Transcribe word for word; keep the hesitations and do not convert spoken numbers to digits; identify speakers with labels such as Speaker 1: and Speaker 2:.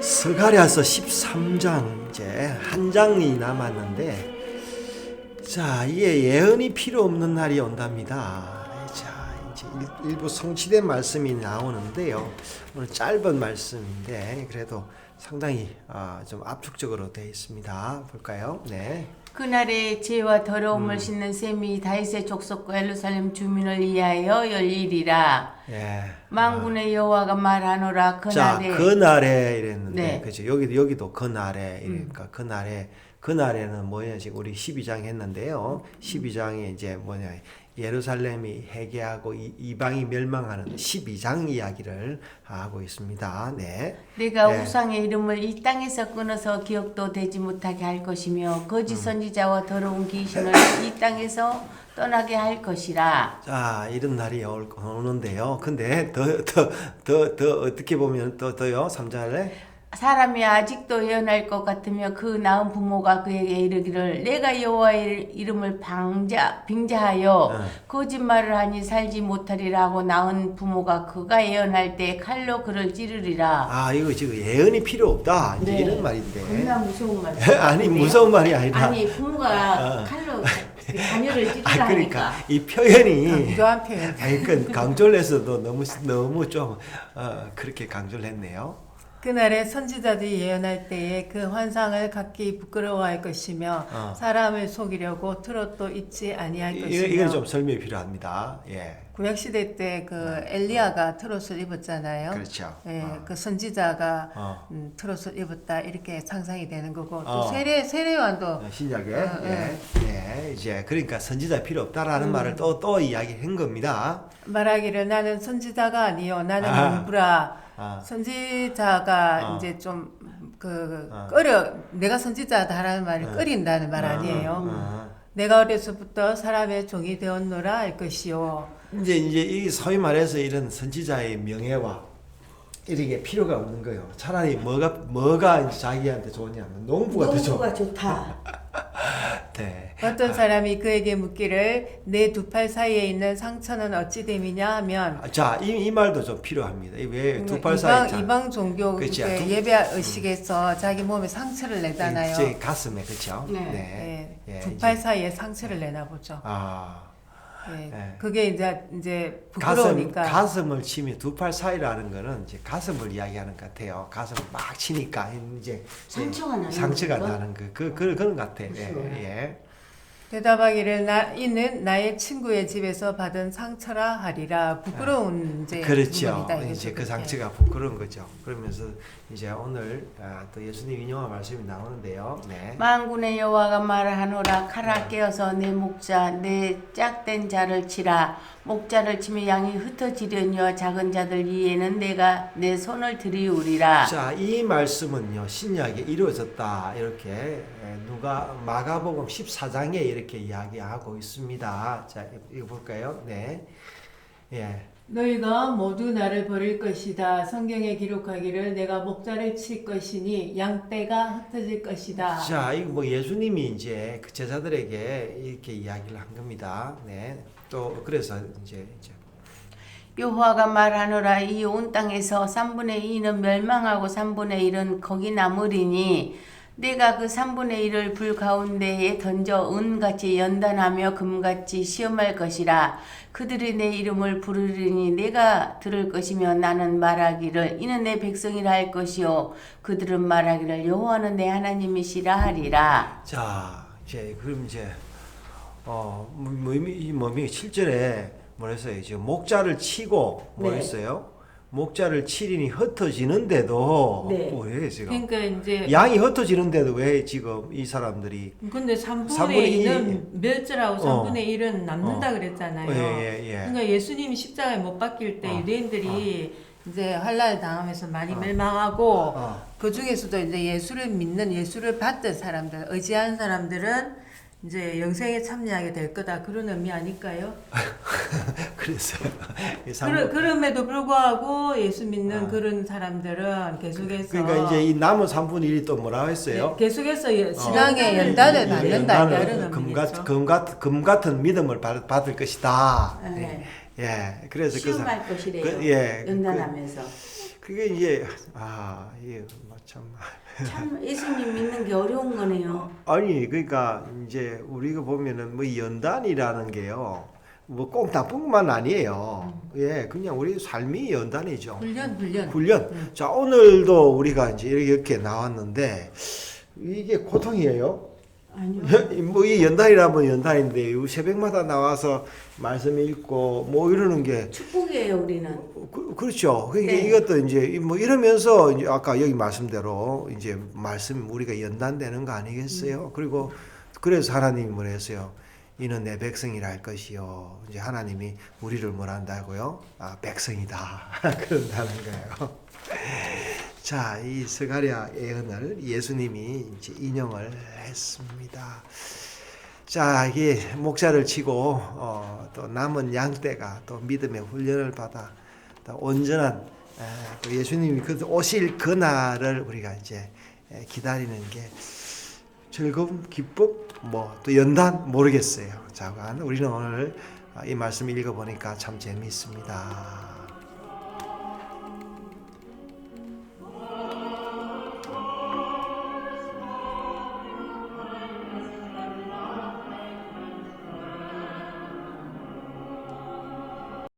Speaker 1: 스가랴서 십삼 장 이제 한 장이 남았는데, 자, 이게 예언이 필요 없는 날이 온답니다. 자, 이제 일, 일부 성취된 말씀이 나오는데요. 오늘 짧은 말씀인데 그래도 상당히 어, 좀 압축적으로 되어 있습니다. 볼까요? 네.
Speaker 2: 그날에 죄와 더러움을
Speaker 1: 음.
Speaker 2: 싣는 셈이 다윗의 족속과 예루살렘 주민을 위하여 열리리라.
Speaker 1: 예.
Speaker 2: 만군의 여호와가 말하노라.
Speaker 1: 자,
Speaker 2: 그날에
Speaker 1: 그날에 이랬는데,
Speaker 2: 네.
Speaker 1: 그죠? 여기도 여기도 그날에
Speaker 2: 음.
Speaker 1: 이러니까 그날에 그날에는 뭐냐, 지금 우리 십이 장 했는데요. 십이 장에 이제 뭐냐, 예루살렘이 회개하고 이- 이방이 멸망하는 십이 장 이야기를 하고 있습니다. 네.
Speaker 2: 내가
Speaker 1: 네.
Speaker 2: 우상의 이름을 이 땅에서 끊어서 기억도 되지 못하게 할 것이며 거짓 선지자와 더러운 귀신을 이 땅에서 떠나게 할 것이라.
Speaker 1: 자, 이런 날이 올, 오는데요. 근데 더 더 더 더 어떻게 보면 더 더요. 삼 절에
Speaker 2: 사람이 아직도 예언할 것 같으며 그 낳은 부모가 그에게 이르기를 내가 여호와의 이름을 방자 빙자하여
Speaker 1: 네.
Speaker 2: 거짓말을 하니 살지 못하리라 하고 낳은 부모가 그가 예언할 때 칼로 그를 찌르리라.
Speaker 1: 아, 이거 지금 예언이 필요 없다. 이제
Speaker 2: 네.
Speaker 1: 이런 말인데.
Speaker 2: 겁나 무서운 말.
Speaker 1: 아니, 무서운 말이 아니라.
Speaker 2: 아니 부모가
Speaker 1: 어.
Speaker 2: 칼로 자녀를 찌르라
Speaker 1: 아, 그러니까
Speaker 2: 하니까.
Speaker 1: 이 표현이
Speaker 3: 강조한 표현.
Speaker 1: 아니, 그 강조를 해서도 너무 너무 좀 어, 그렇게 강조를 했네요.
Speaker 3: 그날에 선지자들이 예언할 때에 그 환상을 갖기 부끄러워할 것이며
Speaker 1: 어.
Speaker 3: 사람을 속이려고 틀어도 잊지 아니할
Speaker 1: 이-
Speaker 3: 것이며.
Speaker 1: 이건 좀 설명이 필요합니다. 예,
Speaker 3: 구약 시대 때 그 엘리야가 트롯을 입었잖아요.
Speaker 1: 그렇죠.
Speaker 3: 예,
Speaker 1: 어.
Speaker 3: 그 선지자가
Speaker 1: 어.
Speaker 3: 음, 트롯을 입었다 이렇게 상상이 되는 거고 또
Speaker 1: 어.
Speaker 3: 세례 세례요한도
Speaker 1: 어, 신약에
Speaker 3: 어,
Speaker 1: 예, 예, 이제 그러니까 선지자 필요 없다라는
Speaker 3: 음.
Speaker 1: 말을 또 또 이야기한 겁니다.
Speaker 3: 말하기를 나는 선지자가 아니요 나는
Speaker 1: 아.
Speaker 3: 농부라.
Speaker 1: 아,
Speaker 3: 선지자가
Speaker 1: 어.
Speaker 3: 이제 좀 그
Speaker 1: 어.
Speaker 3: 꺼려 내가 선지자다라는 말이
Speaker 1: 어.
Speaker 3: 꺼린다는 말
Speaker 1: 어,
Speaker 3: 아니에요.
Speaker 1: 어.
Speaker 3: 내가 어려서부터 사람의 종이 되었노라 할 것이요.
Speaker 1: 이제 이제 이 소위 말해서 이런 선지자의 명예와 이렇게 필요가 없는 거예요. 차라리 뭐가 뭐가 이제 자기한테 좋냐면 농부가 더 좋아.
Speaker 2: 농부가 좋다.
Speaker 1: 네.
Speaker 3: 어떤 사람이 그에게 묻기를 내 두 팔 사이에 있는 상처는 어찌 됨이냐 하면
Speaker 1: 아, 자, 이, 이 말도 좀 필요합니다. 왜 두 팔
Speaker 3: 이방,
Speaker 1: 사이 자-
Speaker 3: 이방 종교
Speaker 1: 그치,
Speaker 3: 그
Speaker 1: 두-
Speaker 3: 예배 의식에서 자기 몸에 상처를 내잖아요.
Speaker 1: 제 가슴에 그렇죠.
Speaker 2: 네.
Speaker 3: 예,
Speaker 1: 예,
Speaker 3: 두
Speaker 1: 이제-
Speaker 3: 팔 사이에 상처를 내나 보죠.
Speaker 1: 아,
Speaker 3: 예,
Speaker 1: 예.
Speaker 3: 그게 이제 이제
Speaker 1: 가슴
Speaker 3: 부끄러우니까.
Speaker 1: 가슴을 치면 두 팔 사이라는 거는 이제 가슴을 이야기하는 것 같아요. 가슴을 막 치니까 이제
Speaker 2: 상처가 나는
Speaker 1: 상처가
Speaker 2: 건가?
Speaker 1: 나는 그, 그, 그 그런 것 같아. 예,
Speaker 2: 무서워요.
Speaker 1: 예.
Speaker 3: 대답하기를 나 이는 나의 친구의 집에서 받은 상처라 하리라. 부끄러운 이제
Speaker 1: 그렇죠.
Speaker 3: 부분이다, 이거죠,
Speaker 1: 이제 그
Speaker 3: 그게.
Speaker 1: 상처가 부끄러운 거죠. 그러면서 이제 오늘 아, 또 예수님 인용한 말씀이 나오는데요. 네.
Speaker 2: 만군의 여호와가 말하노라. 칼아 깨어서 내 목자 내 짝된 자를 치라. 목자를 치면 양이 흩어지려니와 작은 자들 위에는 내가 내 손을 들이우리라.
Speaker 1: 자, 이 말씀은요, 신약에 이루어졌다. 이렇게 에, 누가 마가복음 십사 장에 이렇게 이야기하고 있습니다. 자, 이거 볼까요? 네. 예.
Speaker 3: 너희가 모두 나를 버릴 것이다. 성경에 기록하기를 내가 목자를 칠 것이니 양떼가 흩어질 것이다.
Speaker 1: 자, 이거 뭐 예수님이 이제 그 제자들에게 이렇게 이야기를 한 겁니다. 네. 또 그래서 이제 이제
Speaker 2: 여호와가 말하노라. 이 온 땅에서 삼분의 이는 멸망하고 삼분의 일은 거기 남으리니 내가 그 삼분의 일을 불 가운데에 던져 은같이 연단하며 금같이 시험할 것이라. 그들이 내 이름을 부르리니 내가 들을 것이며 나는 말하기를 이는 내 백성이라 할 것이요 그들은 말하기를 여호와는 내 하나님이시라 하리라.
Speaker 1: 자, 이제 그럼 이제 어, 뭐, 이 뭐미 칠 절에 뭐랬어요? 이제 목자를 치고
Speaker 2: 네.
Speaker 1: 뭐랬어요? 목자를 치리니 흩어지는데도
Speaker 2: 네.
Speaker 1: 왜 지금
Speaker 3: 그러니까 이제
Speaker 1: 양이 흩어지는데도 왜 지금 이 사람들이
Speaker 3: 근데
Speaker 1: 삼분의
Speaker 3: 삼분의
Speaker 1: 이-
Speaker 3: 이는 멸절하고
Speaker 1: 어.
Speaker 3: 삼분의 일은 남는다
Speaker 1: 어.
Speaker 3: 그랬잖아요.
Speaker 1: 예, 예, 예.
Speaker 3: 그러니까 예수님이 십자가에 못 박힐 때
Speaker 1: 어.
Speaker 3: 유대인들이 이제 환란을 당하면서 많이
Speaker 1: 어.
Speaker 3: 멸망하고
Speaker 1: 어.
Speaker 3: 그 중에서도 이제 예수를 믿는 예수를 받던 사람들, 의지한 사람들은 이제 영생에 참여하게 될 거다 그런 의미 아닐까요?
Speaker 1: 그래서 이
Speaker 3: 그러,
Speaker 1: 삼분-
Speaker 3: 그럼에도 불구하고 예수 믿는
Speaker 1: 아.
Speaker 3: 그런 사람들은 계속해서
Speaker 1: 그러니까 이제 이 남은 삼분의 일이 또 뭐라고 했어요?
Speaker 3: 예, 계속해서 예,
Speaker 1: 어.
Speaker 3: 신앙의
Speaker 2: 이-
Speaker 3: 연단을
Speaker 1: 이-
Speaker 3: 받는다
Speaker 1: 연단을
Speaker 3: 이런
Speaker 1: 금,
Speaker 3: 의미겠죠.
Speaker 1: 같, 금, 같, 금 같은 믿음을 받, 받을 것이다.
Speaker 2: 네.
Speaker 1: 예, 그래서 그 사-
Speaker 2: 시험할 것이래요.
Speaker 1: 그, 예,
Speaker 2: 연단하면서.
Speaker 1: 그, 그게 이제 아 이게 참
Speaker 2: 참 예수님 믿는 게 어려운 거네요.
Speaker 1: 아니 그러니까 이제 우리가 보면은 뭐 연단이라는 게요. 뭐 꼭 나쁜 것만 아니에요. 예, 그냥 우리 삶이 연단이죠.
Speaker 3: 훈련 훈련.
Speaker 1: 훈련. 자, 오늘도 우리가 이제 이렇게 나왔는데 이게 고통이에요.
Speaker 2: 아니요.
Speaker 1: 뭐 이 연단이라면 연단인데 이 새벽마다 나와서 말씀 읽고 뭐 이러는 게
Speaker 2: 축복이에요, 우리는.
Speaker 1: 그, 그렇죠. 그러니까
Speaker 2: 네.
Speaker 1: 이것도 이제 뭐 이러면서 이제 아까 여기 말씀대로 이제 말씀 우리가 연단되는 거 아니겠어요? 그리고 그래서 하나님이 뭐라 했어요? 이는 내 백성이라 할 것이요. 이제 하나님이 우리를 뭘 한다고요? 아, 백성이다. 그런다는 거예요. 자, 이 스가랴 예언을 예수님이 이제 인용을 했습니다. 자, 이게 목자를 치고 어, 또 남은 양떼가 또 믿음의 훈련을 받아 또 온전한 에, 또 예수님이 그 오실 그날을 우리가 이제 에, 기다리는 게 즐거움, 기쁨, 뭐 또 연단 모르겠어요. 자, 우리는 오늘 이 말씀 읽어보니까 참 재미있습니다.